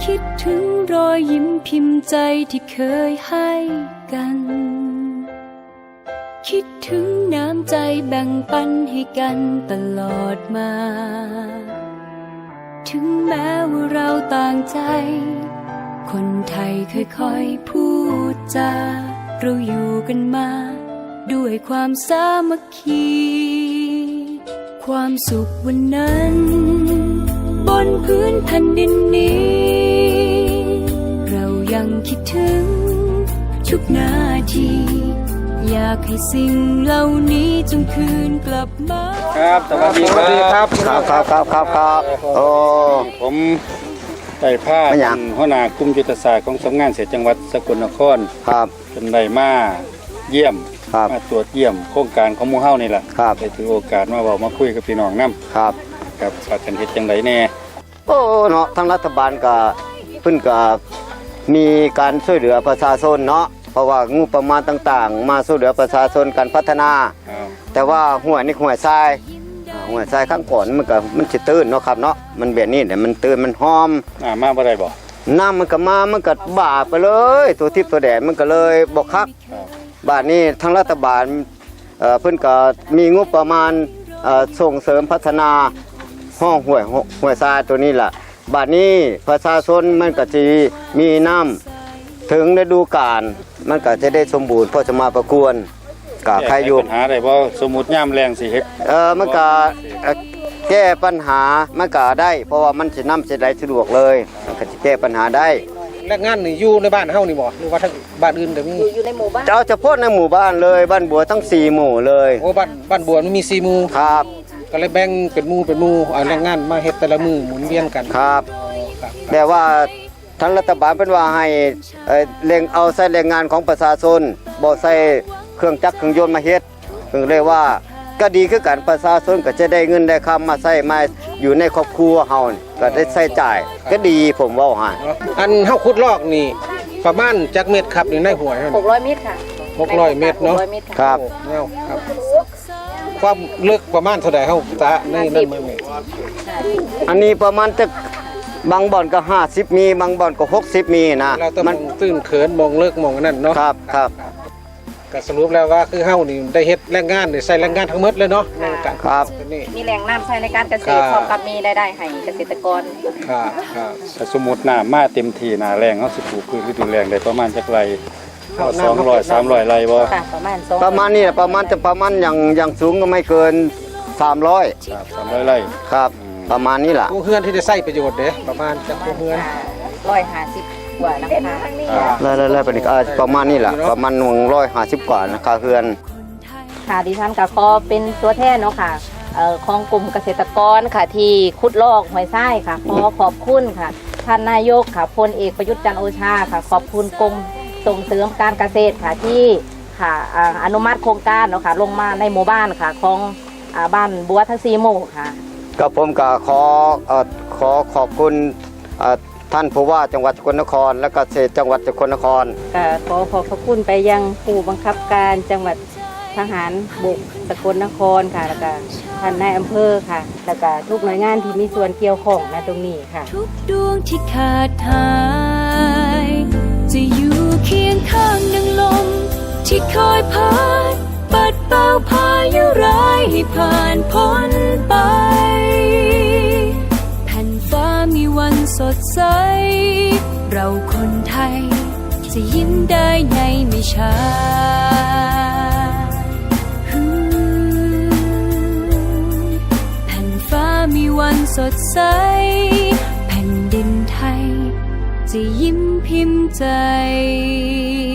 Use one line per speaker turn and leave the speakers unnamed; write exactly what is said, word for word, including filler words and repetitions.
คิดถึงรอยยิ้มพิมพ์ใจที่เคยให้กันคิดถึงน้ำใจแบ่งปันให้กันตลอดมาถึงแม้ว่าเราต่างใจคนไทยค่อยๆพูดจาเราอยู่กันมาด้วยความสามัคคีความสุขวันนั้นบนพื้นแผ่นดินนี้เรายังคิดถึงทุกนาทีอยากให้สิ่งเหล่านี้จงคืนกลับมา
ครับสวัสดีครับ
ครับครับครับครับครับโอ้
ผมได้พาเป็นหัวหน้ากลุ่มยุทธศาสตร์ของสำนักงานเกษตรจังหวัดสกลนคร
ครับ
เป็นได้มาเยี่ยมมาตรวจเยี่ยมโครงการของหมู่เฮานี่แหละได้ถือโอกาสมาบอกมาคุยกับพี่น้องนำ
ครับ
ครับว่ากันเฮ็ดจังไดแน่
โอ้เนาะทางรัฐบาลก็เพิ่นก็มีการช่วยเหลือประชาชนเนาะเพราะว่างบประมาณต่างๆมาช่วยเหลือประชาชนการพัฒนาแต่ว่าห้วยนี่ห้วยทรายห้วยทรายข้างก่อนมันก็มันสิตื้นเนาะครับเนาะมันแบบนี้เนี่ยมันตื้นมันหอม
อ่ามาบ่ได้บ่
น้ำมันก็มามันก็บาไปเลยตัวทิพย์ตัวแดดมันก็เลยบ่คักบาดนี้ทางรัฐบาลเอ่อเพิ่นก็มีงบประมาณเอ่อส่งเสริมพัฒนาห้องห้วยห้วยทรายตัวนี้ล่ะบาดนี้ประชาชนมันก็สิมีน้ำถึงฤดูกาลมันก็จะได้สมบูรณ์พอจะมาประกวนกับใครอยู่
ปัญหาได้บ่สมมุติยามแรงสิเฮ็ด
เออมันก็แก้ปัญหามันก็ได้เพราะว่ามันสินำสิได้สะดวกเลยมันก็สิแก้ปัญหาได้
แรงงานนี่อยู่ในบ้านเฮานี่บ่หรือว่าทั้งบ้านอื่นก็มี
อยู่ในหมู่บ้าน
เอาเฉพาะในหมู่บ้านเลยบ้านบัวทั้งสี่หมู่เลย
โอ้บ้านบ้านบัวมันมีสี่หมู่
ครับ
ก็เลยแบ่งเป็นหมู่เป็นหมู่เอาแรงงานมาเฮ็ดแต่ละมื้อหมุนเวียนกัน
ครับแต่ว่าทางรัฐบาลเป็นว่าให้เร่งเอาใส่แรงงานของประชาชนบ่ใส่เครื่องจักรเครื่องยนต์มาเฮ็ดถึงเรียกว่าก็ดีคือกันประชาชนก็จะได้เงินได้คำมาใส่มาอยู่ในครอบครัวเฮาก็ได้ใช้จ่ายก็ดีผมเว้าให้
อันเฮาขุดลอกนี่ประมาณจักเม็ดครับนี่ในห้วย
หกร้อยเมตรค่ะ
หกร้อยเมตรเนาะ
ครับ
ครับความลึกประมาณเท่าใดเฮาตะในนั้นมื้อนี้
อันนี้ประมาณจะบางบ่อนก็ห้าสิบมีบางบ่อนก็หกสิบมีนะ
มันตื้นเขินมองเลิกมองนั่นเนาะ
ครับครับ
ก็สรุปแล้วว่าคือเฮานี่ได้เฮ็ดแรงงานนี่ใส่แรงงานทั้งหมดเลยเนาะ
ครับ
มีแรงน้ำใช้ในการเกษตรพร้อมกับมีรายได้ให้เกษตรกร
ครับครับ
ถ้าสมมุติน้ำมาเต็มที่หน้าแรงเฮาสิปลูกพืชฤดูแล้งได้ประมาณจักไร่สองร้อย สามร้อยไร่บ่
ค่ะประมาณ
ประมาณนี้ประมาณจะประมาณอย่างอย่างสูงก็ไม่เกินสามร้อย
ครับสามร้อยไร่
ครับประมาณนี้ล่ะ
ผู้เฮือนที่ได้ใช้ประโยชน์เด้ประมาณจักผู้เฮือน
หนึ่งร้อยห้าสิบกว่านะคะ
แล้วๆๆเป็นประมาณนี้ล่ะประมาณหนึ่งร้อยห้าสิบกว่านะคะเฮือน
ค่ะดิฉันก็ขอเป็นตัวแทนเนาะค่ะเอ่อของกลุ่มเกษตรกรค่ะที่ขุดลอกห้วยทรายค่ะขอขอบคุณค่ะท่านนายกค่ะพลเอกประยุทธ์จันทร์โอชาค่ะขอบคุณกรมส่งเสริมการเกษตรค่ะที่ค่ะอนุมัติโครงการเนาะค่ะลงมาในหมู่บ้านค่ะของบ้านบัวทั้งสี่หมู่ค่ะ
ก็ผมก็ขอขอขอบคุณท่านผู้ว่าจังหวัดสกลนครและเกษตรจังหวัดสกลนคร
ก็ขอขอบพระคุณไปยังผู้บังคับการจังหวัดทหารบกสกลนครค่ะแล้วก็ท่านนายอำเภอค่ะแล้วก็ทุกหน่วยงานที่มีส่วนเกี่ยวข้องในตรงนี้ค่ะทุกดวงที่ขาดหายจะอยู่เคียงข้างดังลมที่คอยพัดปัดเป่าพายุร้ายให้ผ่านพ้นไปแผ่นฟ้ามีวันสดใสเราคนไทยจะยิ้มได้ในไม่ช้าแผ่นฟ้ามีวันสดใสแผ่นดินไทยจะยิ้มพิมพ์ใจ